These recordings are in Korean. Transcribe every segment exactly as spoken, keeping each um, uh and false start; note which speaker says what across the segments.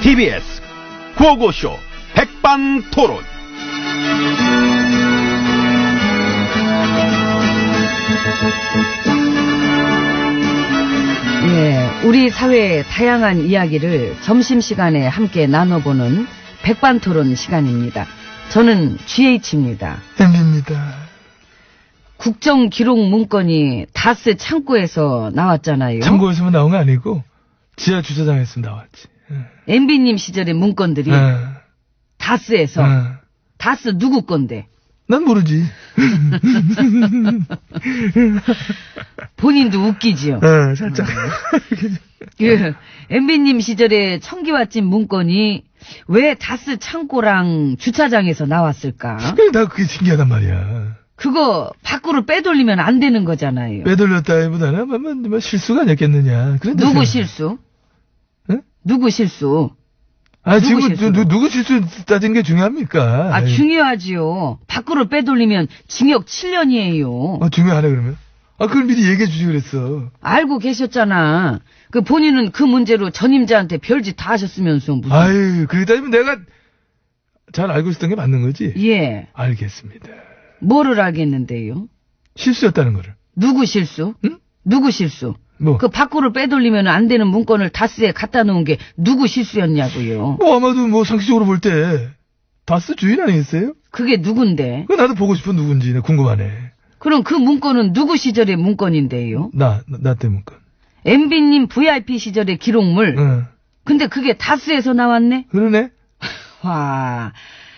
Speaker 1: 티비에스 구호고쇼 백반토론.
Speaker 2: 예, 우리 사회의 다양한 이야기를 점심시간에 함께 나눠보는 백반토론 시간입니다. 저는 지에이치입니다.
Speaker 3: 엠비입니다.
Speaker 2: 국정기록 문건이 다스 창고에서 나왔잖아요.
Speaker 3: 창고에서만 나온 거 아니고 지하 주차장에서 나왔지.
Speaker 2: 엠비님 시절의 문건들이
Speaker 3: 어.
Speaker 2: 다스에서.
Speaker 3: 어.
Speaker 2: 다스 누구 건데?
Speaker 3: 난 모르지.
Speaker 2: 본인도 웃기지요.
Speaker 3: 어, 살짝.
Speaker 2: 그 엠비님 시절에 청기와집 문건이 왜 다스 창고랑 주차장에서 나왔을까?
Speaker 3: 나 그게 신기하단 말이야.
Speaker 2: 그거 밖으로 빼돌리면 안 되는 거잖아요.
Speaker 3: 빼돌렸다기보다는 뭐, 뭐, 뭐 실수가 아니었겠느냐. 그런데
Speaker 2: 누구
Speaker 3: 생-
Speaker 2: 실수?
Speaker 3: 응?
Speaker 2: 누구 실수?
Speaker 3: 아,
Speaker 2: 누구
Speaker 3: 지금
Speaker 2: 실수로?
Speaker 3: 누, 누구 실수 따지는 게 중요합니까?
Speaker 2: 아,
Speaker 3: 아이,
Speaker 2: 중요하지요. 밖으로 빼돌리면 징역 칠 년이에요.
Speaker 3: 어, 중요하네, 그러면. 아, 그걸 미리 얘기해 주지 그랬어.
Speaker 2: 알고 계셨잖아. 그 본인은 그 문제로 전임자한테 별짓 다 하셨으면서 무슨.
Speaker 3: 아유, 그러다 보면 내가 잘 알고 있었던 게 맞는 거지?
Speaker 2: 예.
Speaker 3: 알겠습니다.
Speaker 2: 뭐를 알겠는데요?
Speaker 3: 실수였다는 거를.
Speaker 2: 누구 실수?
Speaker 3: 응?
Speaker 2: 누구 실수?
Speaker 3: 뭐?
Speaker 2: 그 밖으로 빼돌리면 안 되는 문건을 다스에 갖다 놓은 게 누구 실수였냐고요.
Speaker 3: 뭐, 아마도 뭐, 상식적으로 볼 때, 다스 주인 아니겠어요?
Speaker 2: 그게 누군데?
Speaker 3: 그 나도 보고 싶어, 누군지. 나 궁금하네.
Speaker 2: 그럼 그 문건은 누구 시절의 문건인데요?
Speaker 3: 나, 나, 나 때문에.
Speaker 2: 엠비님 브이아이피 시절의 기록물.
Speaker 3: 응.
Speaker 2: 근데 그게 다스에서 나왔네?
Speaker 3: 그러네?
Speaker 2: 와,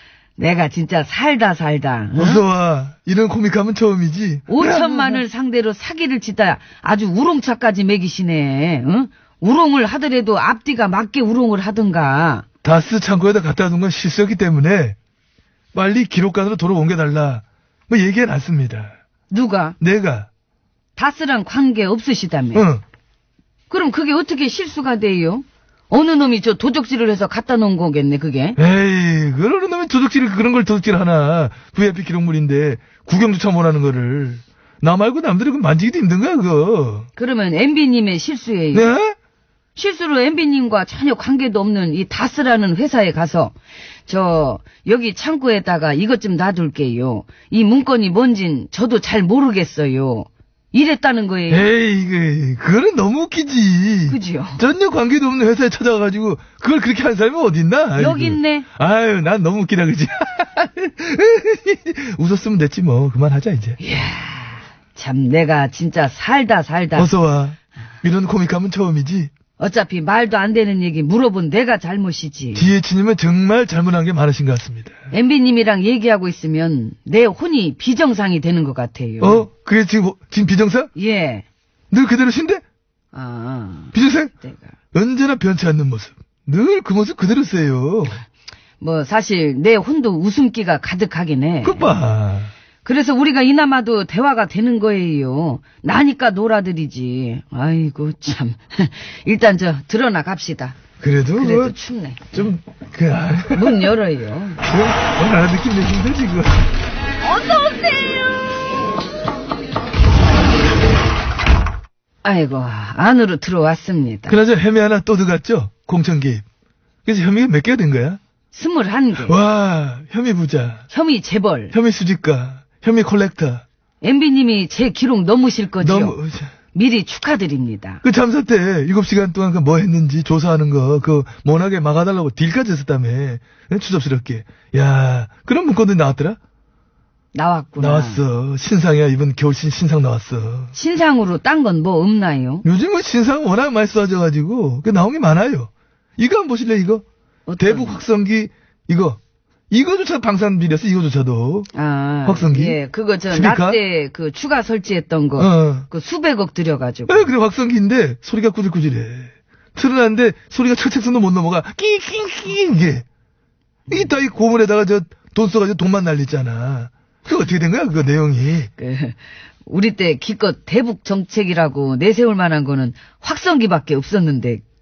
Speaker 2: 내가 진짜 살다 살다. 응?
Speaker 3: 어서와. 이런 코믹하면 처음이지.
Speaker 2: 오천만을 상대로 사기를 치다 아주 우롱차까지 매기시네. 응? 우롱을 하더라도 앞뒤가 맞게 우롱을 하든가.
Speaker 3: 다스 창고에다 갖다 둔 건 실수였기 때문에 빨리 기록관으로 도로 옮겨달라. 뭐 얘기해놨습니다.
Speaker 2: 누가?
Speaker 3: 내가.
Speaker 2: 다스랑 관계 없으시다며.
Speaker 3: 응.
Speaker 2: 그럼 그게 어떻게 실수가 돼요? 어느 놈이 저 도적질을 해서 갖다 놓은 거겠네, 그게.
Speaker 3: 에이, 그러는 놈이 도둑질, 그런 걸 도둑질 하나. 브이아이피 기록물인데, 구경조차 못하는 거를. 나 말고 남들이 그 만지기도 힘든 거야, 그거.
Speaker 2: 그러면 엠비님의 실수예요.
Speaker 3: 네?
Speaker 2: 실수로 엠비님과 전혀 관계도 없는 이 다스라는 회사에 가서 저 여기 창고에다가 이것 좀 놔둘게요. 이 문건이 뭔진 저도 잘 모르겠어요. 이랬다는 거예요.
Speaker 3: 에이, 그, 그거는 너무 웃기지.
Speaker 2: 그지요?
Speaker 3: 전혀 관계도 없는 회사에 찾아가가지고, 그걸 그렇게 한 사람이 어딨나? 아이고.
Speaker 2: 여기 있네.
Speaker 3: 아유, 난 너무 웃기다, 그지? 웃었으면 됐지, 뭐. 그만하자, 이제.
Speaker 2: 이야, 참 내가 진짜 살다 살다.
Speaker 3: 어서와. 이런 코믹하면 처음이지.
Speaker 2: 어차피 말도 안 되는 얘기 물어본 내가 잘못이지.
Speaker 3: 디에이치님은 정말 잘못한 게 많으신 것 같습니다.
Speaker 2: 엠비님이랑 얘기하고 있으면 내 혼이 비정상이 되는 것 같아요.
Speaker 3: 어? 그게 지금, 지금 비정상?
Speaker 2: 예.
Speaker 3: 늘 그대로신데?
Speaker 2: 아,
Speaker 3: 비정상?
Speaker 2: 내가.
Speaker 3: 언제나 변치 않는 모습. 늘 그 모습 그대로세요.
Speaker 2: 뭐 사실 내 혼도 웃음기가 가득하긴 해.
Speaker 3: 그것 봐.
Speaker 2: 그래서 우리가 이나마도 대화가 되는 거예요. 나니까 놀아드리지. 아이고 참. 일단 저 드러나 갑시다.
Speaker 3: 그래도,
Speaker 2: 그래도
Speaker 3: 뭐
Speaker 2: 춥네.
Speaker 3: 좀, 그, 아,
Speaker 2: 문 열어요.
Speaker 3: 그럼, 오늘 알아듣기 내기 힘들지, 그거.
Speaker 2: 아이고 안으로 들어왔습니다.
Speaker 3: 그나저나 혐의 하나 또 들어갔죠? 공천 개입. 그래서 혐의가 몇 개가 된 거야?
Speaker 2: 스물한 개.
Speaker 3: 와, 혐의 부자,
Speaker 2: 혐의 재벌.
Speaker 3: 혐의 수집가, 혐의 콜렉터.
Speaker 2: 엠비님이 제 기록 넘으실 거지요.
Speaker 3: 너무,
Speaker 2: 미리 축하드립니다.
Speaker 3: 그 참사 때 일곱 시간 동안 그 뭐 했는지 조사하는 거, 그, 못하게 막아달라고 딜까지 했었다며. 응? 추접스럽게. 야, 그런 문건들이 나왔더라?
Speaker 2: 나왔구나.
Speaker 3: 나왔어. 신상이야. 이번 겨울신 신상 나왔어.
Speaker 2: 신상으로 딴 건 뭐 없나요?
Speaker 3: 요즘은 신상 워낙 많이 쏟아져가지고, 그 나온 게 많아요. 이거 한번 보실래, 이거?
Speaker 2: 어떤-
Speaker 3: 대북 확성기, 이거. 이거조차 방산 비렸어, 이거조차도.
Speaker 2: 아,
Speaker 3: 확성기?
Speaker 2: 예, 그거 저
Speaker 3: 스피커?
Speaker 2: 나 때 그 추가 설치했던 거,
Speaker 3: 어.
Speaker 2: 그 수백억 들여가지고.
Speaker 3: 에, 그래, 확성기인데, 소리가 꾸질꾸질해. 틀어놨는데, 소리가 철책선도 못 넘어가. 끼끼끼, 이게. 이게 다 이 고물에다가 저, 돈 써가지고 돈만 날리잖아. 그거 어떻게 된 거야, 그거 내용이.
Speaker 2: 그, 우리 때 기껏 대북 정책이라고 내세울 만한 거는 확성기밖에 없었는데,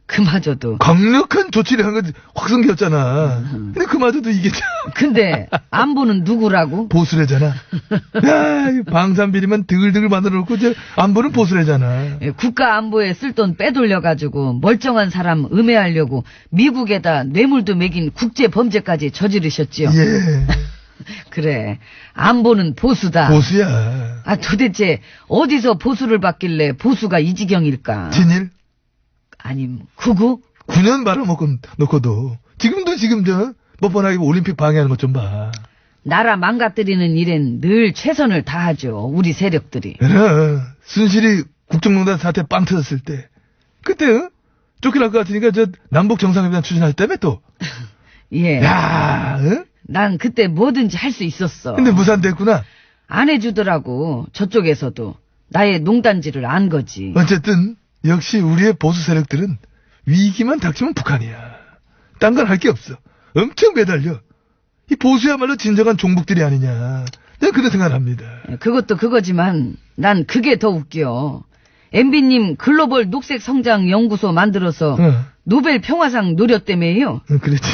Speaker 2: 그마저도.
Speaker 3: 강력한 조치를 한 건 확성기였잖아. 근데 그마저도 이게 참
Speaker 2: 근데 안보는 누구라고?
Speaker 3: 보수래잖아. 야, 이 방산비리만 드글드글 만들어 놓고 저 안보는 보수래잖아.
Speaker 2: 예, 국가 안보에 쓸 돈 빼돌려가지고 멀쩡한 사람 음해하려고 미국에다 뇌물도 매긴 국제범죄까지 저지르셨지요.
Speaker 3: 예,
Speaker 2: 그래, 안보는 보수다.
Speaker 3: 보수야.
Speaker 2: 아, 도대체 어디서 보수를 받길래 보수가 이 지경일까?
Speaker 3: 진일
Speaker 2: 아니, 구구?
Speaker 3: 구 년 말아먹고 놓고도 지금도 지금 저 뻔뻔하게 올림픽 방해하는 것 좀 봐.
Speaker 2: 나라 망가뜨리는 일엔 늘 최선을 다하죠. 우리 세력들이.
Speaker 3: 그래, 순실이 국정농단 사태 빵 터졌을 때 그때 어? 쫓겨날 것 같으니까 저 남북 정상회담 추진했다며 또.
Speaker 2: 예.
Speaker 3: 야, 어?
Speaker 2: 난 그때 뭐든지 할 수 있었어.
Speaker 3: 근데 무산됐구나.
Speaker 2: 안 해주더라고. 저쪽에서도. 나의 농단지를 안 거지.
Speaker 3: 어쨌든 역시 우리의 보수 세력들은 위기만 닥치면 북한이야. 딴 건 할 게 없어. 엄청 매달려. 이 보수야말로 진정한 종북들이 아니냐. 내가 그런 생각을 합니다.
Speaker 2: 그것도 그거지만 난 그게 더 웃겨. 엠비님 글로벌 녹색 성장 연구소 만들어서
Speaker 3: 어.
Speaker 2: 노벨 평화상 노렸다며요.
Speaker 3: 응, 그렇지.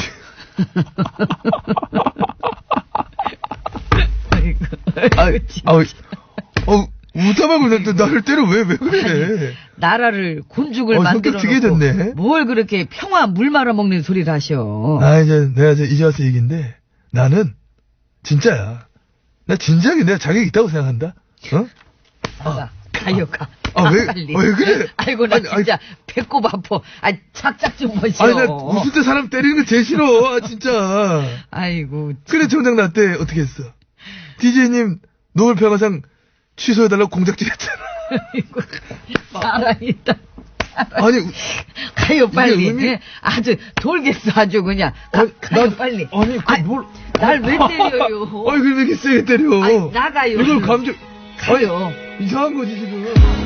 Speaker 3: 아이, 아우, 어, 웃자마고 나를 때려 왜, 왜 그래?
Speaker 2: 나라를 곤죽을
Speaker 3: 어,
Speaker 2: 만들어
Speaker 3: 성격 되게
Speaker 2: 놓고
Speaker 3: 좋네.
Speaker 2: 뭘 그렇게 평화 물 말아 먹는 소리를 하셔.
Speaker 3: 아, 이제 내가 이제 이제 와서 얘기인데 나는 진짜야. 나 진지하게 내가 자격이 있다고 생각한다. 어?
Speaker 2: 가, 가요, 가.
Speaker 3: 아,
Speaker 2: 가,
Speaker 3: 왜,
Speaker 2: 빨리.
Speaker 3: 왜 그래?
Speaker 2: 아이고, 나
Speaker 3: 아니,
Speaker 2: 진짜 배꼽 아파. 아, 착착 좀 보시오.
Speaker 3: 아니, 나 웃을 때 사람 때리는 거 제일 싫어. 아, 진짜.
Speaker 2: 아이고.
Speaker 3: 그래, 정작 나 때 어떻게 했어? 디제이님 노벨 평화상 취소해달라고 공작질 했잖아.
Speaker 2: 아이고, 사랑이다.
Speaker 3: 아니,
Speaker 2: 가요, 빨리.
Speaker 3: 의미-
Speaker 2: 예, 아주 돌겠어, 아주 그냥. 가,
Speaker 3: 아니,
Speaker 2: 가요,
Speaker 3: 난-
Speaker 2: 빨리.
Speaker 3: 아니, 그 뭘.
Speaker 2: 날 왜 때려요?
Speaker 3: 아니, 그럼 왜 이렇게 세게 때려?
Speaker 2: 아이, 나가요.
Speaker 3: 이걸 감정,
Speaker 2: 가요.
Speaker 3: 이상한 거지, 지금.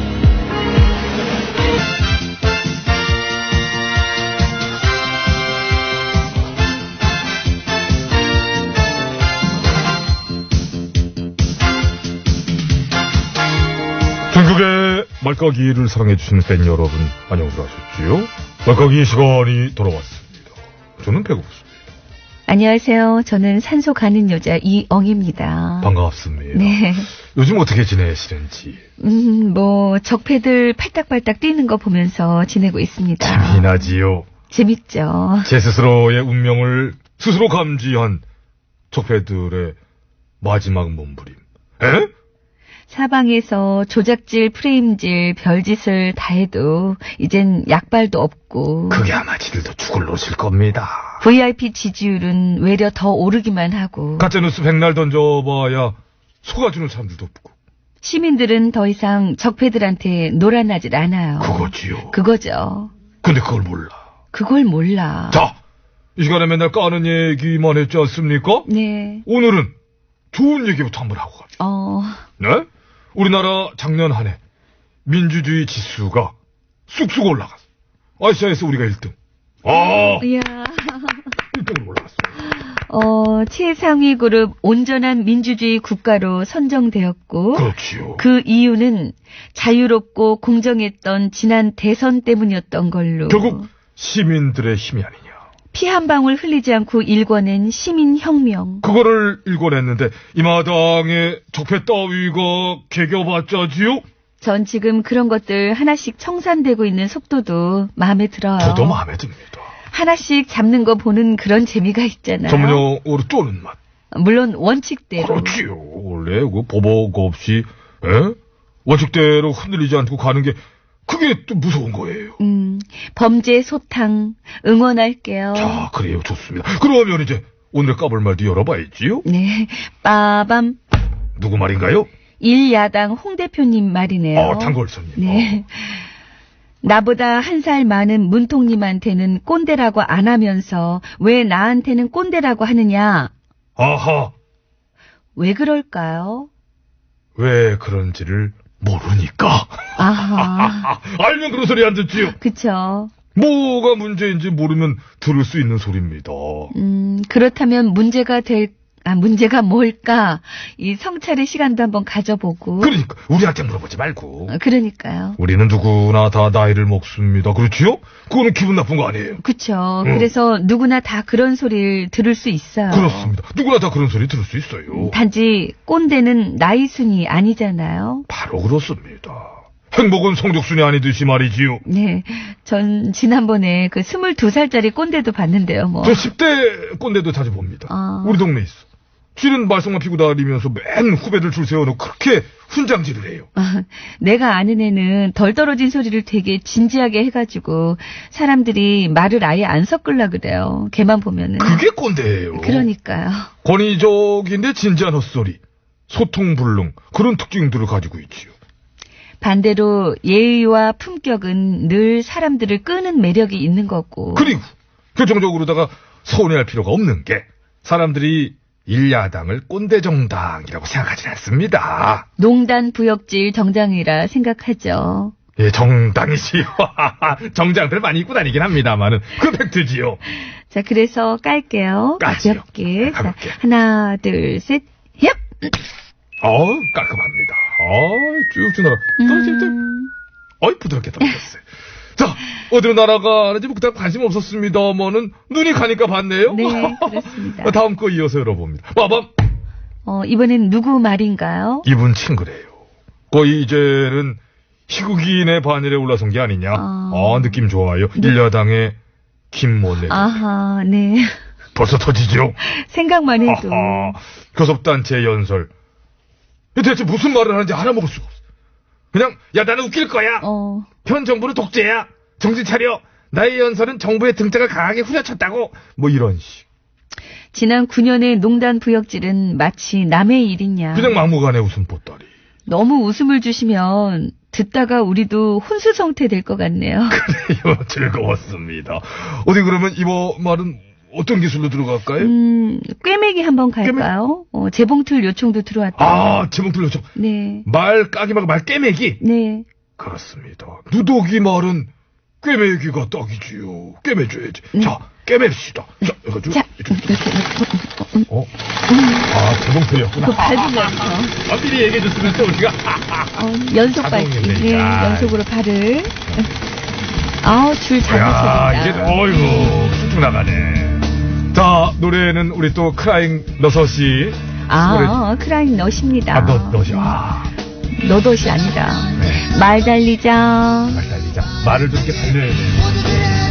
Speaker 4: 전국의 말까기를 사랑해주신 팬 여러분, 안녕들 하셨지요? 말까기 시간이 돌아왔습니다. 저는 배고프습니다.
Speaker 5: 안녕하세요. 저는 산소 가는 여자 이엉입니다.
Speaker 4: 반갑습니다.
Speaker 5: 네.
Speaker 4: 요즘 어떻게 지내시는지.
Speaker 5: 음, 뭐 적패들 팔딱팔딱 뛰는 거 보면서 지내고 있습니다.
Speaker 4: 재미나지요.
Speaker 5: 재밌죠.
Speaker 4: 제 스스로의 운명을 스스로 감지한 적폐들의 마지막 몸부림. 에?
Speaker 5: 사방에서 조작질, 프레임질, 별짓을 다 해도 이젠 약발도 없고
Speaker 4: 그게 아마 지들도 죽을 놓으실 겁니다.
Speaker 5: 브이아이피 지지율은 외려 더 오르기만 하고
Speaker 4: 가짜뉴스 백날 던져봐야 속아주는 사람들도 없고.
Speaker 5: 시민들은 더 이상 적패들한테 놀아나질 않아요.
Speaker 4: 그거지요.
Speaker 5: 그거죠.
Speaker 4: 근데 그걸 몰라.
Speaker 5: 그걸 몰라.
Speaker 4: 자, 이 시간에 맨날 까는 얘기만 했지 않습니까?
Speaker 5: 네.
Speaker 4: 오늘은 좋은 얘기부터 한번 하고 갑니다.
Speaker 5: 어...
Speaker 4: 네? 우리나라 작년 한 해 민주주의 지수가 쑥쑥 올라갔어. 아시아에서 우리가 일 등. 아,
Speaker 5: 이야...
Speaker 4: 일 등으로 올라갔어.
Speaker 5: 어, 최상위 그룹 온전한 민주주의 국가로 선정되었고
Speaker 4: 그렇지요.
Speaker 5: 그 이유는 자유롭고 공정했던 지난 대선 때문이었던 걸로
Speaker 4: 결국 시민들의 힘이 아니냐.
Speaker 5: 피 한 방울 흘리지 않고 일궈낸 시민혁명.
Speaker 4: 그거를 일궈냈는데 이 마당에 적폐 따위가 개겨봤자지요?
Speaker 5: 전 지금 그런 것들 하나씩 청산되고 있는 속도도 마음에 들어요.
Speaker 4: 저도 마음에 듭니다.
Speaker 5: 하나씩 잡는 거 보는 그런 재미가 있잖아요.
Speaker 4: 전문용어로 쪼는 맛.
Speaker 5: 물론 원칙대로.
Speaker 4: 그렇지요. 원래 그 보복 없이 에? 원칙대로 흔들리지 않고 가는 게 그게 또 무서운 거예요.
Speaker 5: 음, 범죄 소탕 응원할게요.
Speaker 4: 자, 그래요. 좋습니다. 그러면 이제 오늘의 까불말도 열어봐야지요.
Speaker 5: 네, 빠밤.
Speaker 4: 누구 말인가요?
Speaker 5: 일야당 홍 대표님 말이네요.
Speaker 4: 어, 단골손님.
Speaker 5: 네. 나보다 한 살 많은 문통님한테는 꼰대라고 안 하면서 왜 나한테는 꼰대라고 하느냐?
Speaker 4: 어. 아하.
Speaker 5: 왜 그럴까요?
Speaker 4: 왜 그런지를 모르니까.
Speaker 5: 아하.
Speaker 4: 알면 그런 소리 안 듣지요.
Speaker 5: 그쵸.
Speaker 4: 뭐가 문제인지 모르면 들을 수 있는 소리입니다.
Speaker 5: 음, 그렇다면 문제가 될, 아, 문제가 뭘까? 이 성찰의 시간도 한번 가져보고.
Speaker 4: 그러니까 우리한테 물어보지 말고.
Speaker 5: 어, 그러니까요.
Speaker 4: 우리는 누구나 다 나이를 먹습니다. 그렇지요? 그거는 기분 나쁜 거 아니에요.
Speaker 5: 그쵸.
Speaker 4: 응.
Speaker 5: 그래서 누구나 다 그런 소리를 들을 수 있어요.
Speaker 4: 그렇습니다. 누구나 다 그런 소리 들을 수 있어요.
Speaker 5: 단지 꼰대는 나이 순이 아니잖아요.
Speaker 4: 바로 그렇습니다. 행복은 성적순이 아니듯이 말이지요.
Speaker 5: 네. 전 지난번에 그 스물두 살짜리 꼰대도 봤는데요, 뭐.
Speaker 4: 저 십 대 꼰대도 자주 봅니다.
Speaker 5: 아.
Speaker 4: 우리 동네에 있어. 쥐는 말썽만 피고 다니면서 맨 후배들 줄 세워놓고 그렇게 훈장질을 해요.
Speaker 5: 아, 내가 아는 애는 덜 떨어진 소리를 되게 진지하게 해가지고 사람들이 말을 아예 안 섞으려 그래요. 걔만 보면은.
Speaker 4: 그게 꼰대예요.
Speaker 5: 그러니까요.
Speaker 4: 권위적인데 진지한 헛소리, 소통불능 그런 특징들을 가지고 있지요.
Speaker 5: 반대로 예의와 품격은 늘 사람들을 끄는 매력이 있는 거고.
Speaker 4: 그리고 결정적으로다가 서운해할 필요가 없는 게 사람들이 일야당을 꼰대 정당이라고 생각하지 않습니다.
Speaker 5: 농단 부역질 정당이라 생각하죠.
Speaker 4: 예, 정당이지요. 정장들 많이 입고 다니긴 합니다만은 그 팩트지요.
Speaker 5: 자, 그래서 깔게요.
Speaker 4: 까지요.
Speaker 5: 가볍게. 자,
Speaker 4: 가볍게.
Speaker 5: 하나, 둘, 셋, 얍!
Speaker 4: 어, 깔끔합니다. 어, 쭉쭉 날아. 떨어질 때,
Speaker 5: 음,
Speaker 4: 어이, 부드럽게 떨어졌어요. 자, 어디로 날아가는지 뭐 그닥 관심 없었습니다만은 눈이 가니까 봤네요.
Speaker 5: 네, 그렇습니다.
Speaker 4: 다음 거 이어서 열어봅니다. 빠밤!
Speaker 5: 어, 이번엔 누구 말인가요?
Speaker 4: 이분 친구래요. 거의 이제는 희극인의 반열에 올라선 게 아니냐.
Speaker 5: 아.
Speaker 4: 아, 느낌 좋아요. 일야당의 김모네.
Speaker 5: 아하, 네.
Speaker 4: 벌써 터지죠?
Speaker 5: 생각만 해도.
Speaker 4: 아하, 교섭단체 연설. 대체 무슨 말을 하는지 알아먹을 수가 없어. 그냥 야 나는 웃길 거야.
Speaker 5: 어,
Speaker 4: 현 정부는 독재야. 정신 차려. 나의 연설은 정부의 등짝을 강하게 후려쳤다고. 뭐 이런 식.
Speaker 5: 지난 구 년의 농단 부역질은 마치 남의 일이냐.
Speaker 4: 그냥 막무가내 웃음 보따리.
Speaker 5: 너무 웃음을 주시면 듣다가 우리도 혼수성태 될 것 같네요.
Speaker 4: 그래요. 즐거웠습니다. 어디 그러면 이번 말은 어떤 기술로 들어갈까요?
Speaker 5: 음, 꿰매기 한번 갈까요? 어, 재봉틀 요청도 들어왔다.
Speaker 4: 아, 제목들 요청.
Speaker 5: 네,
Speaker 4: 말 까기 말고 말 깨매기.
Speaker 5: 네.
Speaker 4: 그렇습니다. 누더기 말은 꿰매기가 딱이지요. 꿰매줘야지. 자, 꿰맵시다. 자, 해가지고.
Speaker 5: 자,
Speaker 4: 이렇게. 어? 아, 제목들이었구나.
Speaker 5: 그 밟으면서
Speaker 4: 아, 미리 얘기해줬으면 또 우리가.
Speaker 5: 어, 연속 밟기.
Speaker 4: 자동이네.
Speaker 5: 네,
Speaker 4: 야.
Speaker 5: 연속으로 발을. 아우, 줄 잘
Speaker 4: 야,
Speaker 5: 맞춰진다.
Speaker 4: 이게, 어이구, 쭉쭉 나가네. 자, 노래는 우리 또 크라잉 너섯이.
Speaker 5: 아, 크라잉 넛입니다.
Speaker 4: 아, 너, 너시. 아,
Speaker 5: 너덧이 아니라.
Speaker 4: 네.
Speaker 5: 말 달리자.
Speaker 4: 말 달리자. 말을 좀 이렇게 달려야 돼.